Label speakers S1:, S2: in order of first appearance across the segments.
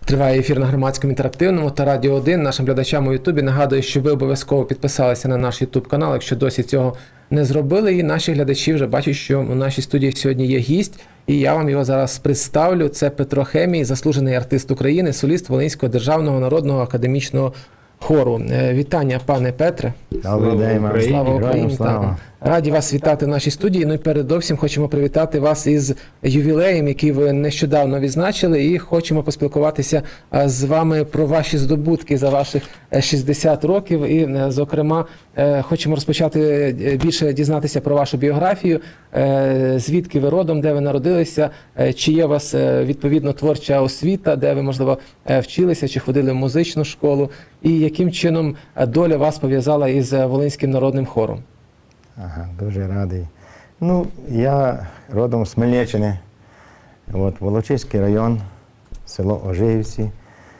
S1: Триває ефір на Громадському інтерактивному та Радіо 1. Нашим глядачам у Ютубі нагадую, що ви обов'язково підписалися на наш Ютуб канал, якщо досі цього не зробили. І наші глядачі вже бачать, що у нашій студії сьогодні є гість, і я вам його зараз представлю. Це Петро Хемій, заслужений артист України, соліст Волинського державного народного академічного хору. Вітання, пане Петре.
S2: Добрий день,
S1: Слава Україні. Раді вас вітати в нашій студії. Ну і передовсім хочемо привітати вас із ювілеєм, який ви нещодавно відзначили, і хочемо поспілкуватися з вами про ваші здобутки за ваших 60 років. І, зокрема, хочемо розпочати більше дізнатися про вашу біографію, звідки ви родом, де ви народилися, чи є у вас відповідно творча освіта, де ви, можливо, вчилися, чи ходили в музичну школу, і яким чином доля вас пов'язала із Волинським народним хором.
S2: Ага, дуже радий. Ну, я родом з Хмельниччини, Волочиський район, село Ожигівці.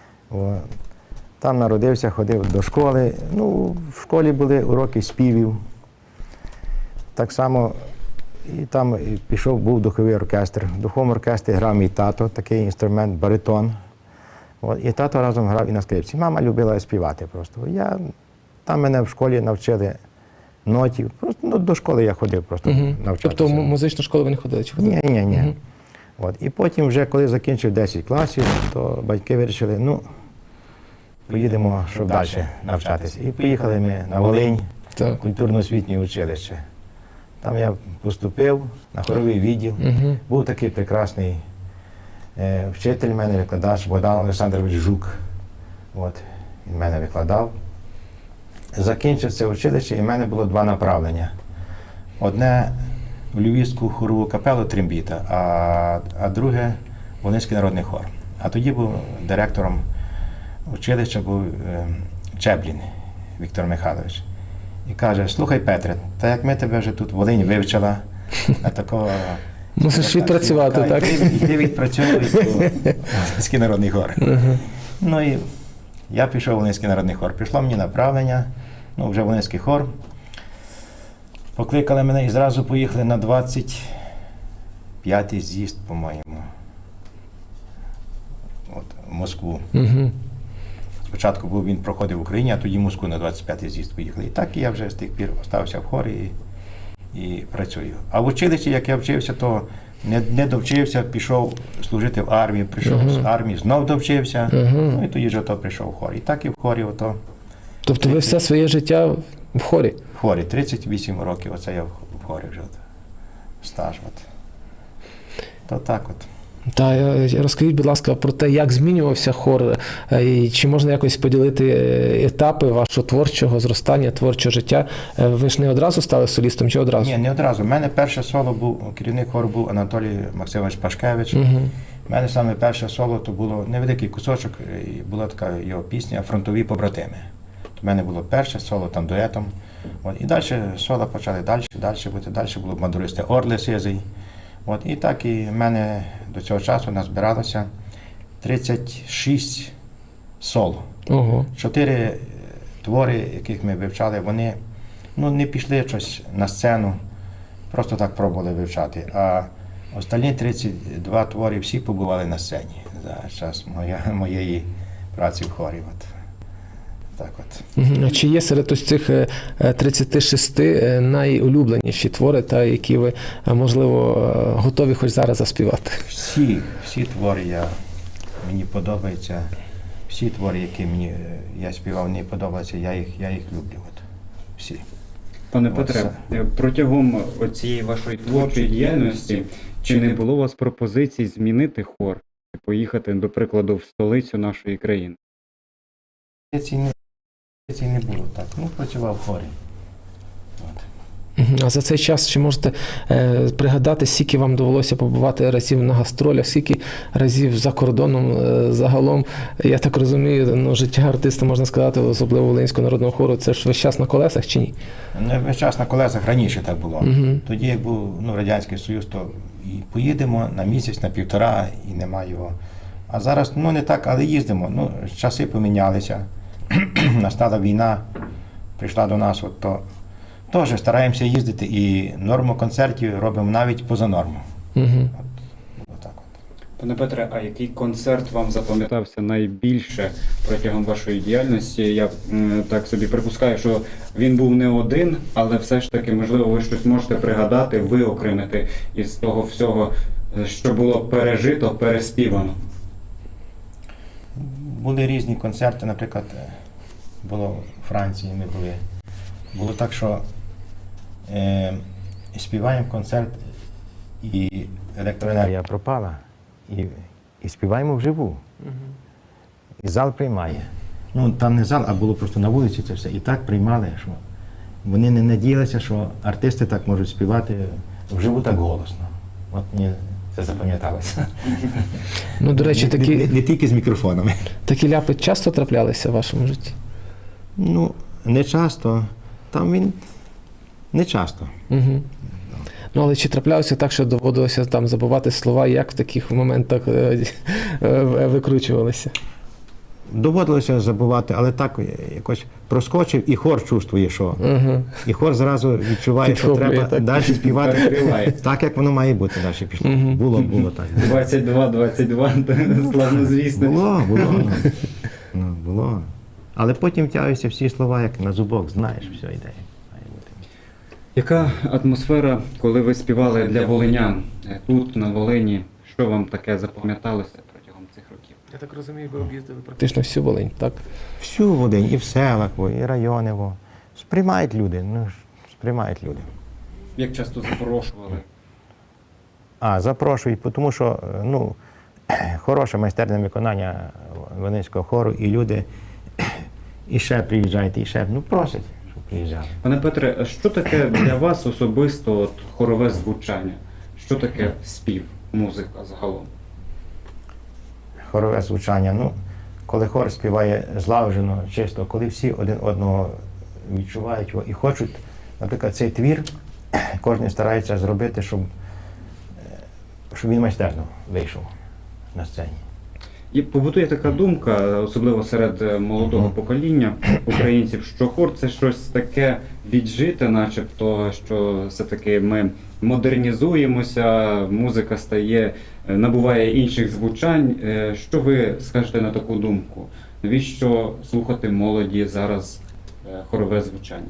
S2: Там народився, ходив до школи. Ну, в школі були уроки співів. Так само і там був духовий оркестр. В духовому оркестрі грав мій тато, такий інструмент, баритон. І тато разом грав і на скрипці. Мама любила співати просто. Там мене в школі навчили нотів. Просто до школи я ходив просто навчатися.
S1: Тобто в музичну школу ви не ходили? Чи ходили?
S2: Ні. І потім вже, коли закінчив 10 класів, то батьки вирішили, поїдемо, щоб далі навчатися. І поїхали ми на Волинь, культурно-освітнє училище. Там я поступив на хоровий відділ. Був такий прекрасний вчитель, мене викладач Богдан Олександрович Жук. Він мене викладав. Закінчив це училище, і в мене було два направлення. Одне в Львівську хорову капелу трембіта, а друге – Волинський народний хор. А тоді був директором училища був Чеблін Віктор Михайлович. І каже: слухай, Петре, та як ми тебе вже тут в Волині вивчила, на такого...
S1: Мусиш відпрацювати, так?
S2: Іди відпрацьовуй Волинський народний хор. Ну і я пішов в Волинський народний хор. Прийшло мені направлення, вже Волинський хор. Покликали мене і зразу поїхали на 25-й з'їзд, по-моєму, в Москву. Спочатку він проходив в Україні, а тоді в Москву на 25-й з'їзд поїхали. І так я вже з тих пір залишився в хорі і працюю. А в училищі, як я вчився, то не довчився, пішов служити в армії, прийшов з армії, знов довчився, і тоді вже прийшов в хор. І так і в хорі.
S1: Тобто ви все своє життя в хорі?
S2: В хорі, 38 років, оце я в хорі вже стаж. То так от.
S1: Розкажіть, будь ласка, про те, як змінювався хор, і чи можна якось поділити етапи вашого творчого зростання, творчого життя? Ви ж не одразу стали солістом, чи одразу?
S2: Ні, не одразу. У мене перше соло був, керівник хору був Анатолій Максимович Пашкевич. У мене саме перше соло, то було невеликий кусочок, і була така його пісня «Фронтові побратими». У мене було перше соло, там дуетом. І далі соло почали далі бути, далі було мандуристи Орли Сизий. І так і в мене до цього часу назбиралося 36 соло. 4 твори, яких ми вивчали, вони не пішли щось на сцену, просто так пробували вивчати. А останні 32 твори всі побували на сцені за час моєї праці в хорі.
S1: Чи є серед ось цих 36 найулюбленіші твори, які ви, можливо, готові хоч зараз заспівати?
S2: Всі твори мені подобаються. Всі твори, які я співав, мені подобаються, я їх люблю. Всі.
S3: Пане Петре, протягом цієї вашої творчої діяльності, чи не було у вас пропозицій змінити хор і поїхати, до прикладу, в столицю нашої країни?
S2: Це не було так. Працював в хорі.
S1: А за цей час чи можете пригадати, скільки вам довелося побувати разів на гастролях, скільки разів за кордоном загалом? Я так розумію, життя артиста, можна сказати, особливо Волинського народного хору, це ж весь час на колесах чи ні?
S2: Не весь час на колесах, раніше так було. Тоді, як був Радянський Союз, то і поїдемо на місяць, на півтора, і нема його. А зараз, не так, але їздимо. Часи помінялися. Настала війна, прийшла до нас, то теж стараємося їздити і норму концертів робимо навіть поза норму.
S3: Пане Петре, а який концерт вам запам'ятався найбільше протягом вашої діяльності? Я так собі припускаю, що він був не один, але все ж таки, можливо, ви щось можете пригадати, виокремити із того всього, що було пережито, переспівано.
S2: Були різні концерти, наприклад, було в Франції, ми були. Було так, що співаємо концерт, і електроенергія пропала, і співаємо вживу. І зал приймає. Ну, там не зал, а було просто на вулиці це все. І так приймали, що вони не надіялися, що артисти так можуть співати вживу так голосно. От мені це запам'яталося.
S1: Ну, до речі,
S2: Не тільки з мікрофонами.
S1: такі ляпи часто траплялися в вашому житті?
S2: Ну, не часто. Там він не часто.
S1: Угу. Ну, але чи траплялося так, що доводилося там забувати слова, як в таких моментах викручувалися?
S2: Доводилося забувати, але так якось проскочив, і хор чувствує, що. І хор зразу відчуває, що
S1: Підхоплює,
S2: треба
S1: так.
S2: далі співати
S3: Перекриває.
S2: так, як воно має бути далі пішло. Було так.
S3: 22, славнозвісне.
S2: Було. Але потім тягуються всі слова, як на зубок, знаєш, все йде. Має бути.
S3: Яка атмосфера, коли ви співали для волинян тут, на Волині? Що вам таке запам'яталося протягом цих років?
S1: Я так розумію, ви об'їздили практично всю Волинь, так?
S2: Всю Волинь, і в селах, і райони. Сприймають люди, сприймають люди.
S3: Як часто запрошували?
S2: Запрошують, тому що хороше майстерне виконання Волинського хору, і люди і ще приїжджають, і ще просять, щоб приїжджали.
S3: Пане Петре, а що таке для вас особисто хорове звучання? Що таке спів, музика загалом?
S2: Хорове звучання, коли хор співає злагоджено, чисто, коли всі один одного відчувають його і хочуть, наприклад, цей твір, кожен старається зробити, щоб він майстерно вийшов на сцені.
S3: І побутує така думка, особливо серед молодого покоління українців, що хор – це щось таке віджите, начебто, що все-таки ми модернізуємося, музика набуває інших звучань. Що ви скажете на таку думку? Навіщо слухати молоді зараз хорове звучання?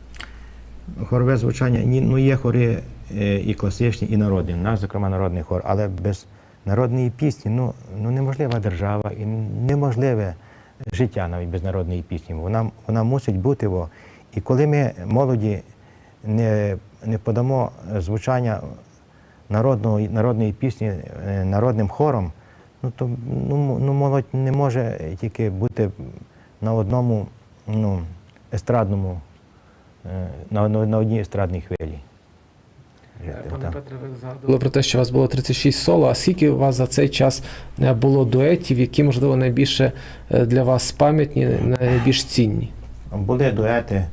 S2: Хорове звучання, є хори і класичні, і народні. У нас, зокрема, народний хор, але без народної пісні, неможлива держава і неможливе життя навіть без народної пісні. Вона мусить бути. І коли ми молоді не подамо звучання народної пісні народним хором, то молодь не може тільки бути на одному естрадному, на одній естрадній хвилі.
S1: Пане Петре, ви згадували про те, що у вас було 36 соло, а скільки у вас за цей час було дуетів, які, можливо, найбільше для вас пам'ятні, найбільш цінні?
S2: Були дуети,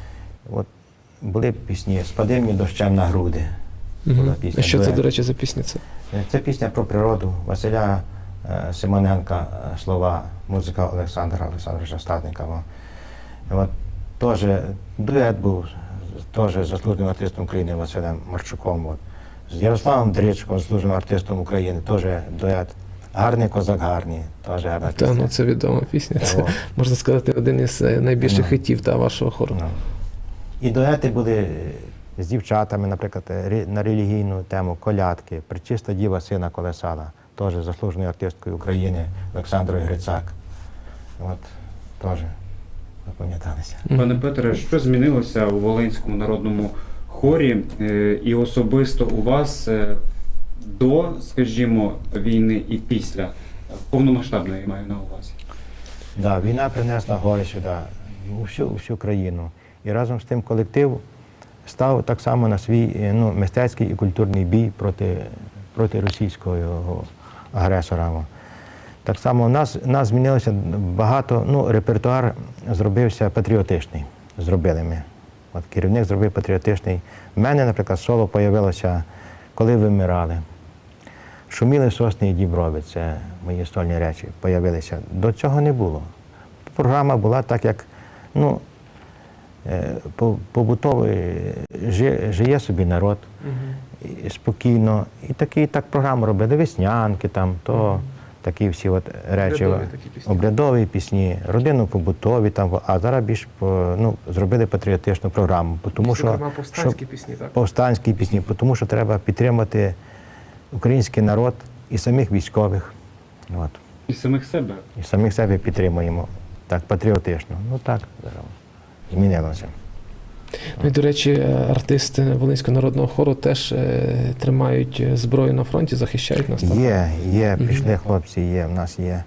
S2: були пісні «Спади мені дощем на груди».
S1: А що це, до речі, за пісня?
S2: Це пісня про природу Василя Симоненка, слова, музика Олександра Олександровича Статника. Теж дует був, теж заслуженим артистом України Василем Марчуком. З Ярославом Дричком, заслуженим артистом України, теж дует. «Гарний козак гарний», теж гарна пісня.
S1: Це відома пісня. Це, можна сказати, один із найбільших хітів вашого хору.
S2: І дуети були з дівчатами, наприклад, на релігійну тему «Колядки», «Пречиста діва сина колесала», теж заслуженою артисткою України Олександрою Грицак. Теж запам'яталися.
S3: Пане Петре, що змінилося у Волинському народному хорі і особисто у вас до, скажімо, війни і після? Повномасштабної маю на увазі.
S2: Так, війна принесла гори сюди, у всю країну. І разом з тим колектив став так само на свій мистецький і культурний бій проти російського агресора. Так само у нас змінилося багато, репертуар зробився патріотичний, зробили ми. Керівник зробив патріотичний. У мене, наприклад, соло з'явилося, коли вимирали. Шуміли сосни і діброви, це мої сольні речі, з'явилися. До цього не було. Програма була так, як, побутовий, жиє собі народ. і спокійно. І так програму робили, веснянки там, то такі всі от речі.
S1: Обрядові такі пісні.
S2: Обрядові пісні, родинно-побутові там, а зараз більш зробили патріотичну програму. Тому що,
S1: Зокрема, повстанські пісні, так?
S2: повстанські пісні, тому що треба підтримати український народ і самих військових. От.
S3: І самих себе.
S2: І самих себе підтримуємо. Так, патріотично. Ну так, зараз змінилося.
S1: Ну і, до речі, артисти Волинського народного хору теж тримають зброю на фронті, захищають нас там.
S2: Є, пішли хлопці, є, в нас є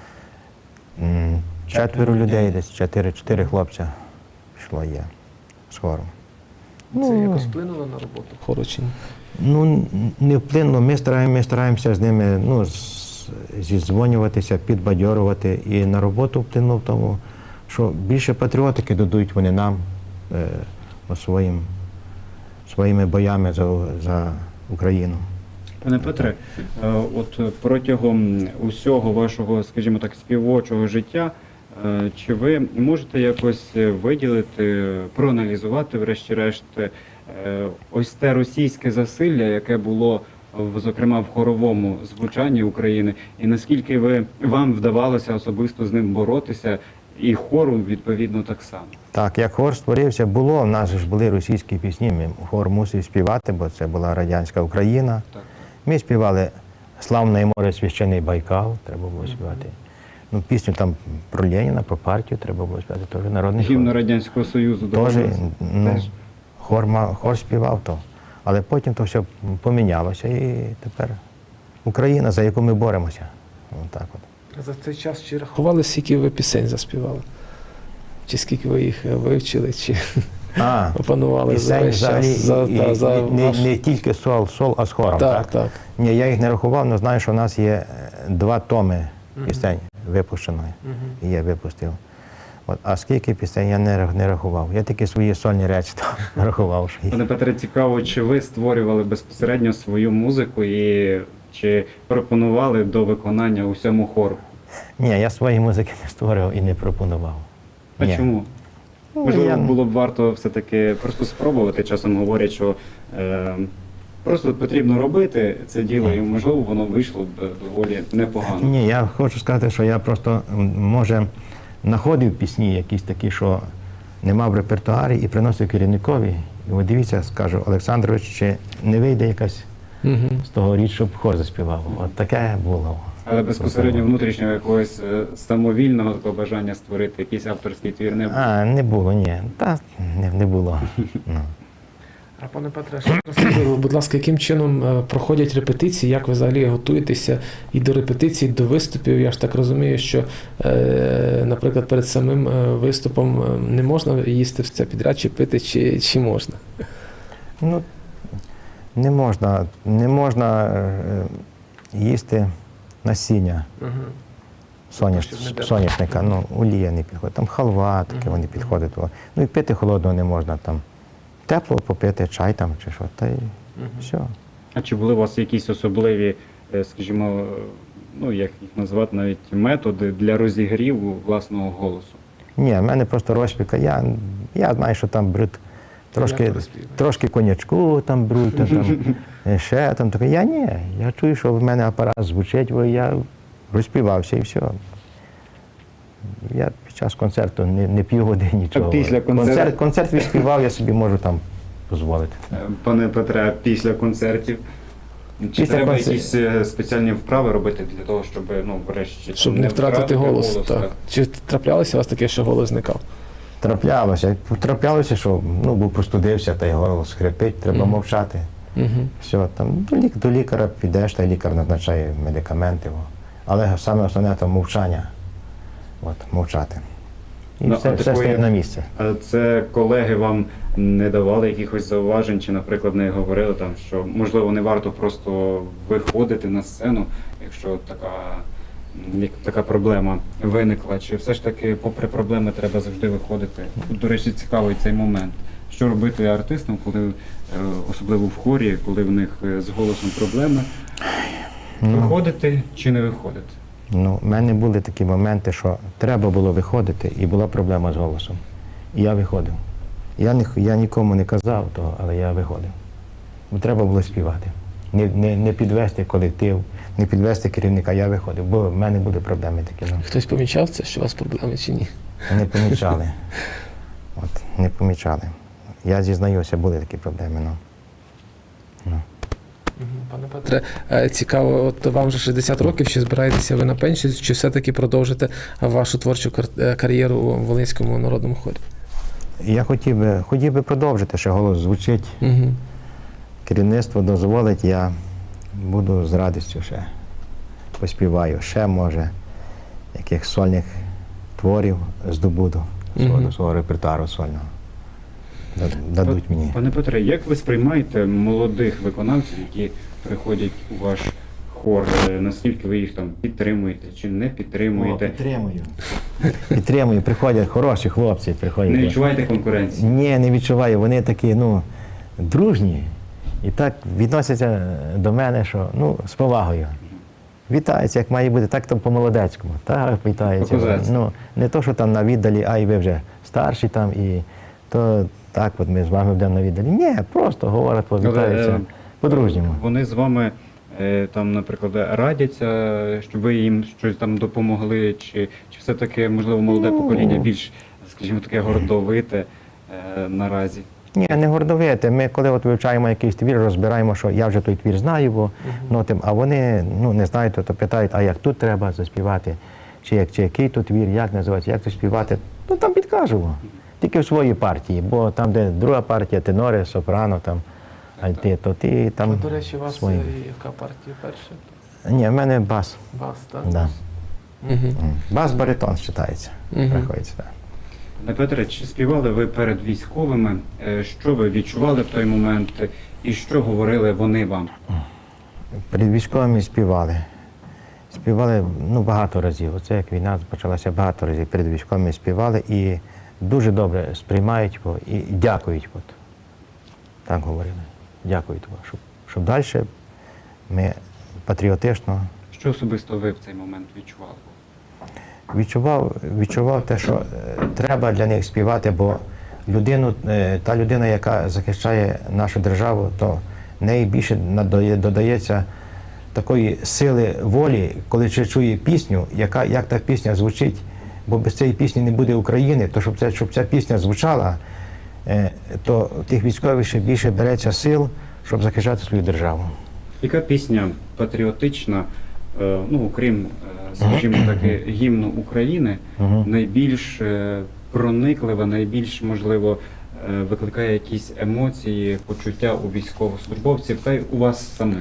S2: 4 людей, десь 4 хлопця пішло є з хором.
S1: Це якось вплинуло на роботу хору чи ні?
S2: Ну, не вплинуло, ми стараємося з ними зідзвонюватися, підбадьорувати. І на роботу вплинуло в тому, що більше патріотики додають вони нам своїми боями за Україну.
S3: Пане Петре, от протягом усього вашого, скажімо так, співочого життя, чи ви можете якось виділити, проаналізувати, врешті-решт, ось те російське засилля, яке було, зокрема, в хоровому звучанні України, і наскільки вам вдавалося особисто з ним боротися, і хору, відповідно, так само?
S2: Так, як хор створився, в нас ж були російські пісні, хор мусив співати, бо це була радянська Україна.
S3: Так.
S2: Ми співали «Славне море, священий Байкал», треба було співати. Ну, пісню там про Леніна, про партію треба було співати, теж народний
S3: Гімн
S2: хор.
S3: Радянського Союзу.
S2: Теж,
S3: Теж.
S2: хор співав то. Але потім то все помінялося і тепер Україна, за яку ми боремося. Отак от.
S1: За цей час чи рахували, скільки ви пісень заспівали? Чи скільки ви їх вивчили, чи опанували за
S2: Пісень
S1: весь час?
S2: взагалі, не тільки сол, а з хором, так?
S1: Так.
S2: Ні, я їх не рахував, але знаю, що в нас є 2 томи пісень випущеної. І я випустив. От, а скільки пісень я не рахував. Я тільки свої сольні речі там рахував. Що
S3: Пане Петре, цікаво, чи ви створювали безпосередньо свою музику і чи пропонували до виконання усьому хору?
S2: Ні, я свої музики не створював і не пропонував.
S3: А
S2: Ні.
S3: чому?
S2: Ну,
S3: Можливо, було б варто все-таки просто спробувати. Часом говорять, що просто потрібно робити це діло, і можливо воно вийшло б доволі непогано.
S2: Ні, я хочу сказати, що я просто, може, знаходив пісні якісь такі, що не мав в репертуарі, і приносив керівникові. І от дивіться, скажу, Олександрович, чи не вийде якась з того річ, щоб хор заспівав. От таке було.
S3: Але безпосередньо внутрішнього якогось самовільного такого бажання створити якийсь авторський твір не було.
S2: Не було, ні. Та не було. Ну.
S1: А пане Петре, ще розкажіть, будь ласка, яким чином проходять репетиції, як ви взагалі готуєтеся і до репетицій, і до виступів? Я ж так розумію, що, наприклад, перед самим виступом не можна їсти все підряд, чи пити, чи можна?
S2: Ну, не можна їсти насіння соняшника, ну, олія не підходить, там халва таке вони підходять. Ну і пити холодного не можна, там тепло попити, чай там чи що, та й все.
S3: А чи були у вас якісь особливі, скажімо, ну як їх назвати, навіть методи для розігріву власного голосу?
S2: Ні, в мене просто розпіка. Я знаю, що там беруть трошки коньячку там беруть, там ще там таке. Я чую, що в мене апарат звучить, бо я розпівався і все. Я під час концерту не п'ю води, нічого.
S3: А після концерту?
S2: Концерт відспівав, я собі можу там дозволити.
S3: Пане Петре, після концертів чи треба якісь спеціальні вправи робити для того, щоб, ну, врешті,
S1: щоб не втратити голос, так. Чи траплялося у вас таке, що голос зникав?
S2: Траплялося, що був простудився, та й голос хрипить, треба мовчати. Все, там до лікаря підеш, та лікар назначає медикаменти. Але саме основне то мовчання. Мовчати. І все стає на місце.
S3: А це колеги вам не давали якихось зауважень, чи, наприклад, не говорили там, що можливо не варто просто виходити на сцену, якщо така проблема виникла, чи все ж таки, попри проблеми, треба завжди виходити? До речі, цікавий цей момент. Що робити артистам, коли, особливо в хорі, коли в них з голосом проблеми? Виходити чи не виходити?
S2: Ну, в мене були такі моменти, що треба було виходити, і була проблема з голосом. І я виходив. Я нікому не казав того, але я виходив. треба було співати. Не підвести колектив, не підвести керівника. Я виходив, бо в мене були проблеми такі. Ну.
S1: Хтось помічав це, що у вас проблеми чи ні?
S2: Не помічали. Не помічали. Я зізнаюся, були такі проблеми. Ну.
S1: Пане Петре, цікаво, от вам вже 60 років, чи збираєтеся ви на пенсію, чи все-таки продовжите вашу творчу кар'єру у Волинському народному хорі?
S2: Я хотів би продовжити, ще голос звучить.
S1: Угу.
S2: Керівництво дозволить, я буду з радістю ще поспіваю. Ще, може, яких сольних творів здобуду свого репертуару сольного. Дадуть мені.
S3: Пане Петре, як ви сприймаєте молодих виконавців, які приходять у ваш хор? Наскільки ви їх там підтримуєте чи не підтримуєте?
S2: Підтримую. Приходять хороші хлопці. Приходять.
S3: Не відчуваєте конкуренції?
S2: Ні, не відчуваю. Вони такі, дружні. І так відносяться до мене, що, з повагою. Вітаються, як має бути, так там по-молодецькому. Так, вітаються. Не то, що там на віддалі, а й ви вже старші там, і то так, от ми з вами будемо на віддалі. Ні, просто говорять, вітаються по-дружньому.
S3: Вони з вами там, наприклад, радяться, щоб ви їм щось там допомогли, чи все-таки, можливо, молоде покоління більш, скажімо, таке гордовите наразі?
S2: Ні, не гордовите. Ми коли вивчаємо якийсь твір, розбираємо, що я вже той твір знаю, а вони не знають, то питають, а як тут треба заспівати, чи який тут твір, як називається, як заспівати. Там підкажемо. Тільки в своїй партії, бо там, де друга партія, тенори, сопрано, там, альти, то ти там.
S1: До речі, у вас
S2: свої.
S1: яка партія перша?
S2: Ні, в мене бас.
S1: Бас, так?
S2: Да.
S1: Угу.
S2: Бас-баритон вважається. Приходиться, так.
S3: Пане Петре, чи співали ви перед військовими? Що ви відчували в той момент і що говорили вони вам?
S2: Перед військовими співали. Співали багато разів. Оце як війна почалася, багато разів перед військовими співали і дуже добре сприймають і дякують. Так говорили. Дякують, щоб далі ми патріотично.
S3: Що особисто ви в цей момент відчували?
S2: Відчував те, що треба для них співати, бо та людина, яка захищає нашу державу, то неї більше додається такої сили волі, коли чує пісню, як та пісня звучить, бо без цієї пісні не буде України, то щоб ця пісня звучала, то тих військових ще більше береться сил, щоб захищати свою державу.
S3: Яка пісня патріотична, окрім, скажімо так, гімну України, найбільш прониклива, найбільш, можливо, викликає якісь емоції, почуття у військовослужбовців та й у вас самих?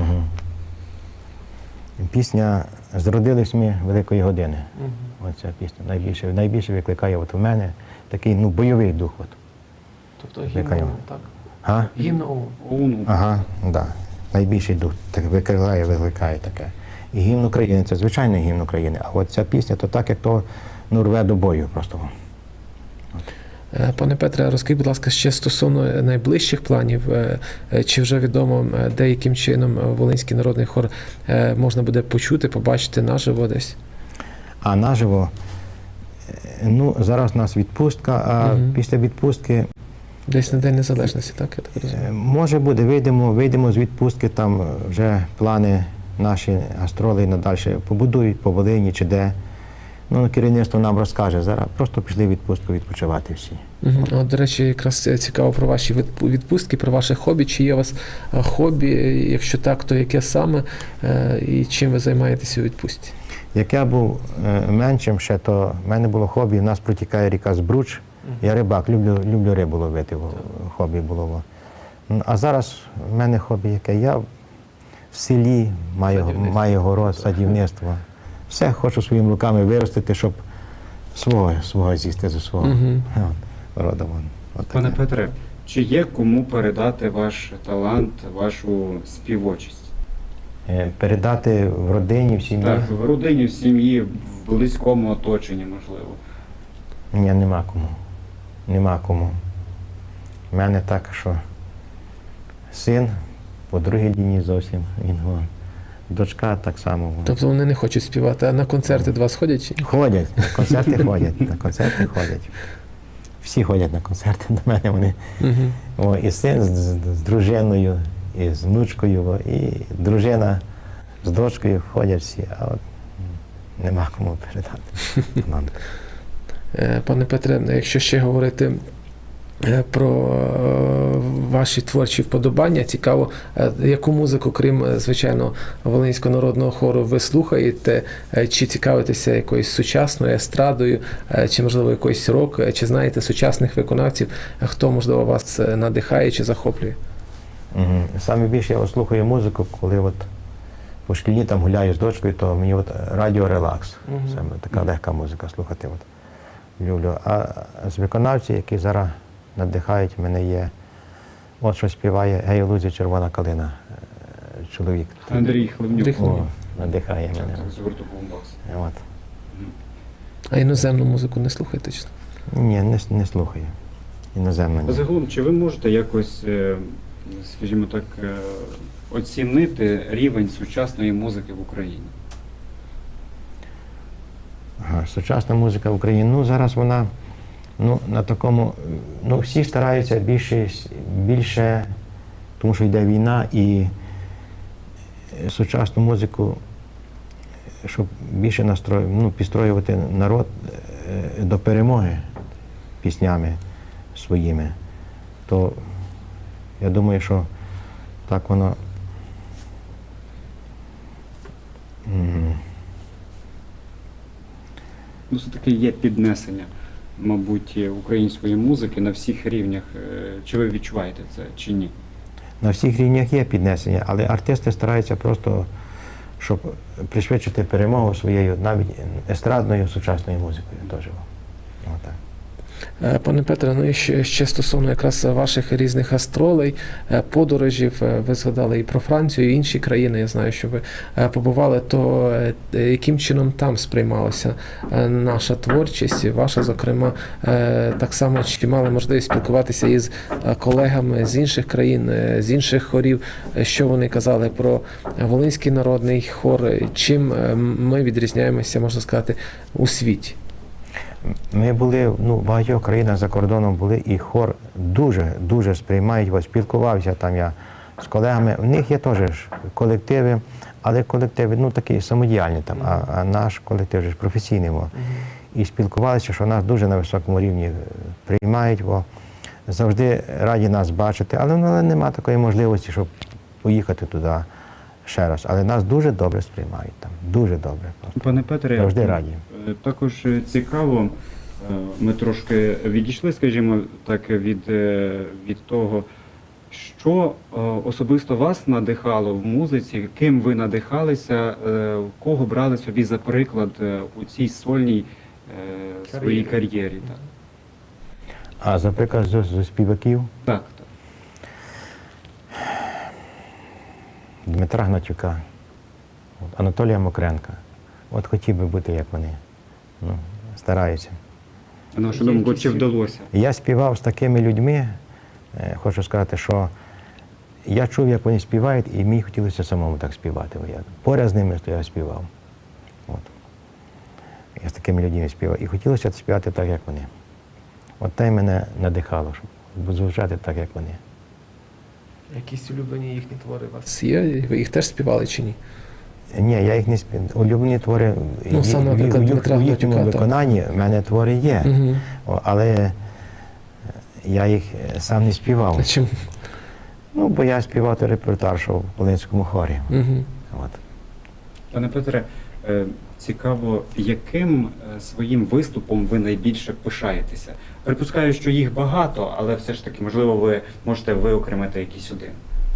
S2: Пісня «Зродились ми великої години». Оця пісня найбільше викликає у мене такий бойовий дух.
S1: Тобто гімн, так? Гімн
S3: ОУН.
S2: Ага, так. Найбільший дух так викликає таке. І гімн України, це звичайний гімн України, а от ця пісня, то так, як то рве до бою просто.
S1: Пане Петре, розкажіть, будь ласка, ще стосовно найближчих планів, чи вже відомо, де яким чином Волинський народний хор можна буде почути, побачити наживо десь?
S2: А наживо, зараз у нас відпустка, а після відпустки...
S1: Десь на День Незалежності, так? Я так розумію?
S2: Може буде, вийдемо з відпустки, там вже плани наші гастролі надалі побудують по Волині чи де. Керівництво нам розкаже. Зараз просто пішли в відпустку відпочивати всі.
S1: До речі, якраз цікаво про ваші відпустки, про ваше хобі. Чи є у вас хобі? Якщо так, то яке саме? І чим ви займаєтеся у відпустці?
S2: Як я був меншим ще, то в мене було хобі. У нас протікає ріка Збруч. Я рибак, люблю рибу ловити, хобі було. А зараз в мене хобі яке? Я в селі, маю город, садівництво. Все хочу своїми руками виростити, щоб свого з'їсти зі свого роду.
S3: Пане Петре, чи є кому передати ваш талант, вашу співочість?
S2: Передати в родині, в сім'ї?
S3: Так, в родині, в сім'ї, в близькому оточенні, можливо.
S2: Ні, нема кому. У мене так, що син по другій лінії зовсім, дочка так само.
S1: Тобто вони не хочуть співати, а на концерти до вас ходять? Чи?
S2: Ходять, на концерти ходять. Всі ходять на концерти до мене. І син з дружиною, і з внучкою, і дружина з дочкою ходять всі, а от нема кому передати. Нам.
S1: Пане Петре, якщо ще говорити про ваші творчі вподобання, цікаво, яку музику, крім, звичайно, Волинського народного хору, ви слухаєте, чи цікавитеся якоюсь сучасною естрадою, чи, можливо, якийсь рок, чи знаєте сучасних виконавців, хто, можливо, вас надихає чи захоплює?
S2: Саме більше я слухаю музику, коли от по шкільні там гуляю з дочкою, то мені от радіо релакс. Саме така легка музика слухати. От. Люблю. А з виконавців, які зараз надихають, мене є, от що співає «Гей, у лузі червона калина», чоловік.
S3: Андрій Хлебнюк.
S2: О, надихає мене.
S3: з гурту Бумбокс.
S2: От.
S1: А іноземну музику не слухаєте? Чи?
S2: Ні, не слухаю. Іноземно ні.
S3: Загалом, чи ви можете якось, скажімо так, оцінити рівень сучасної музики в Україні?
S2: Ага, сучасна музика в Україні, ну зараз вона на такому, всі стараються більше, тому що йде війна, і сучасну музику, щоб більше підстроювати народ до перемоги піснями своїми, то я думаю, що так воно
S3: Все-таки є піднесення, мабуть, української музики на всіх рівнях. Чи ви відчуваєте це, чи ні?
S2: на всіх рівнях є піднесення, але артисти стараються просто, щоб пришвидшити перемогу своєю, навіть естрадною сучасною музикою теж. Отак.
S1: Пане Петре, ну і ще стосовно якраз ваших різних гастролей, подорожів, ви згадали і про Францію, і інші країни, я знаю, що ви побували, то яким чином там сприймалася наша творчість, ваша, зокрема, так само, чи мали можливість спілкуватися із колегами з інших країн, з інших хорів, що вони казали про Волинський народний хор, чим ми відрізняємося, можна сказати, у світі?
S2: Ми були в багатьох країнах за кордоном були, і хор дуже сприймають його. Спілкувався там я з колегами. У них є теж колективи, але колективи такі самодіяльні там, а наш колектив ж професійний. І спілкувалися, що нас дуже на високому рівні приймають, бо завжди раді нас бачити, але немає такої можливості, щоб поїхати туди ще раз. Але нас дуже добре сприймають там, дуже добре.
S3: Пане Петре,
S2: завжди раді.
S3: Також цікаво, ми трошки відійшли, скажімо так, від того, що особисто вас надихало в музиці, ким ви надихалися, кого брали собі за приклад у цій сольній своїй кар'єрі. Так.
S2: А за приклад з співаків?
S3: Так.
S2: Дмитра Гнатюка, Анатолія Мокренка. От хотів би бути, як вони. Стараюся.
S3: На вашу думку, чи вдалося?
S2: Я співав з такими людьми, хочу сказати, що я чув, як вони співають, і мені хотілося самому так співати. Поряд з ними я співав. От. Я з такими людьми співав. І хотілося співати так, як вони. От те мене надихало, щоб звучати так, як вони.
S1: Якісь улюблені їхні твори у вас є? Ви їх теж співали чи ні?
S2: Ні, я їх не співав. Улюблені твори
S1: саме, наприклад, Дмитра
S2: у їхньому
S1: Гнатюка,
S2: виконанні в мене твори є, але я їх сам не співав.
S1: А чим?
S2: Бо я співав репертуар, що в Волинському хорі. От.
S3: Пане Петре, цікаво, яким своїм виступом ви найбільше пишаєтеся? Припускаю, що їх багато, але все ж таки, можливо, ви можете виокремити якийсь один.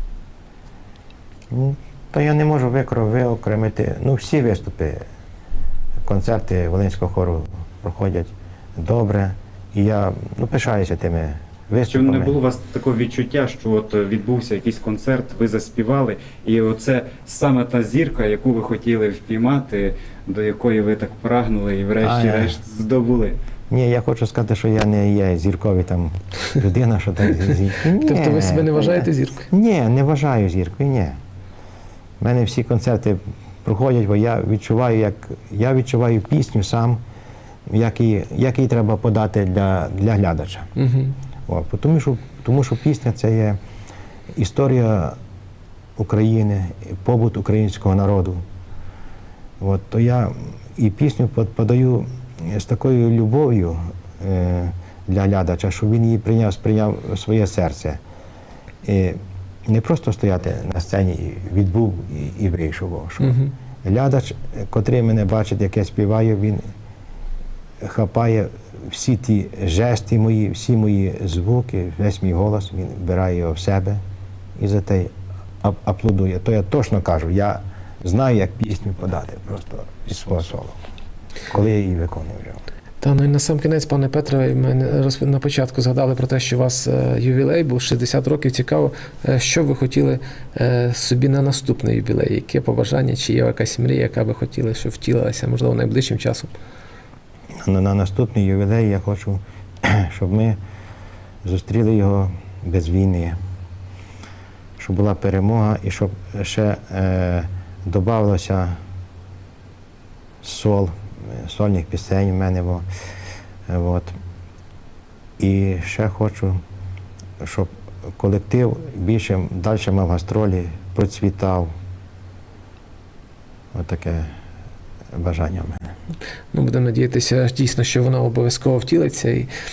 S2: Та я не можу виокремити. Всі виступи, концерти Волинського хору проходять добре. І я пишаюся тими виступами.
S3: Чи не було у вас такого відчуття, що от відбувся якийсь концерт, ви заспівали, і оце саме та зірка, яку ви хотіли впіймати, до якої ви так прагнули і врешті-решт здобули?
S2: Ні, я хочу сказати, що я не є зірковий там людина, що так
S1: Тобто ви себе не вважаєте зіркою?
S2: Ні, не вважаю зіркою, ні. У мене всі концерти проходять, бо я відчуваю пісню сам, як її треба подати для глядача. Тому що пісня – це є історія України, побут українського народу. От, то я і пісню подаю з такою любов'ю для глядача, щоб він її сприйняв в своє серце. І не просто стояти на сцені, і відбув і вийшов. Що глядач, котрий мене бачить, як я співаю, він хапає всі ті жести мої, всі мої звуки, весь мій голос, він вбирає його в себе і за те аплодує. То я точно кажу, я знаю, як пісню подати просто із свого соло, коли я її виконую вже.
S1: Та ну і на сам кінець, пане Петре, ми на початку згадали про те, що у вас ювілей був 60 років. Цікаво, що ви хотіли собі на наступний ювілей? Яке побажання, чи є якась мрія, яка ви хотіли, щоб втілилася, можливо, найближчим часом?
S2: На наступний ювілей я хочу, щоб ми зустріли його без війни, щоб була перемога і щоб ще додавалося сольних пісень в мене. От. І ще хочу, щоб колектив більше далі мав гастролі, процвітав. Ось таке бажання в мене.
S1: Ми будемо надіятися дійсно, що воно обов'язково втілиться.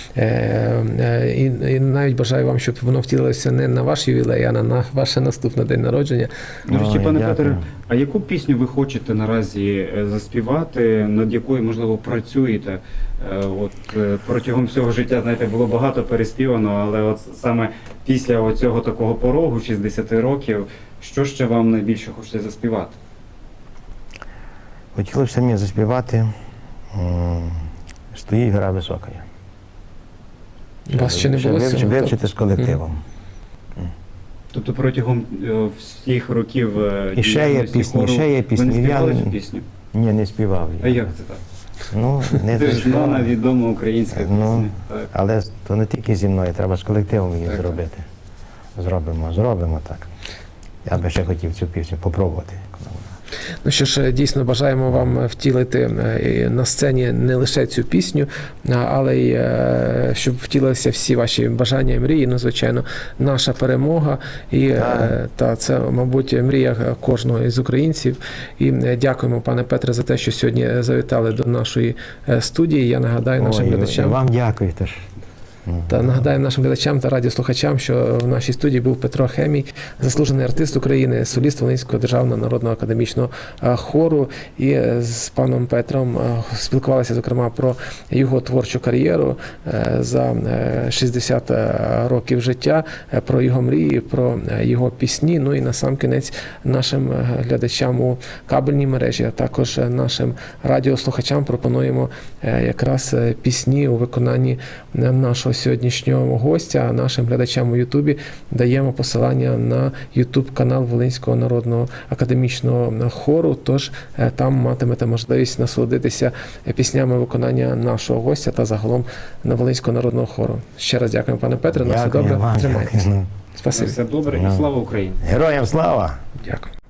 S1: І навіть бажаю вам, щоб воно втілилося не на ваш ювілей, а на ваш наступний день народження.
S3: До речі, пане
S2: дякую.
S3: Петре, а яку пісню ви хочете наразі заспівати, над якою, можливо, працюєте? Протягом всього життя, знаєте, було багато переспівано, але от саме після цього такого порогу, 60 років, що ще вам найбільше хочете заспівати?
S2: Хотілося мені заспівати «Стоїть гора висока».
S1: У вас ще не було цього?
S2: Вивчити з колективом.
S3: Тобто протягом всіх років
S2: І ще є пісні,
S3: хору
S2: ще є пісні.
S3: ви не співали
S2: Я-
S3: цю пісню?
S2: Ні, не співав.
S3: А як це так?
S2: Ну, не
S3: Це ж
S2: зайшло.
S3: знана, відома українська пісня.
S2: Ну,
S3: Так.
S2: але то не тільки зі мною, треба з колективом її
S3: Так, так.
S2: зробити. Зробимо так. Я би ще хотів цю пісню попробувати.
S1: Ну що ж, дійсно бажаємо вам втілити на сцені не лише цю пісню, але й щоб втілилися всі ваші бажання і мрії. Ну, звичайно, наша перемога. І це, мабуть, мрія кожного із українців. І дякуємо, пане Петре, за те, що сьогодні завітали до нашої студії. Я нагадаю нашим глядачам.
S2: Вам дякую теж.
S1: Та нагадаємо нашим глядачам та радіослухачам, що в нашій студії був Петро Хемій, заслужений артист України, соліст Волинського державного народного академічного хору. І з паном Петром спілкувалися, зокрема, про його творчу кар'єру за 60 років життя, про його мрії, про його пісні. Ну і на сам кінець нашим глядачам у кабельній мережі, а також нашим радіослухачам пропонуємо якраз пісні у виконанні нашого сьогоднішнього гостя. Нашим глядачам у Ютубі даємо посилання на Ютуб канал Волинського народного академічного хору. Тож там матимете можливість насолодитися піснями виконання нашого гостя та загалом на Волинського народного хору. Ще раз дякуємо, пане Петре. На все добре. Тримайтеся. Спасибі.
S3: Все добре і слава Україні!
S2: Героям слава!
S1: Дякую.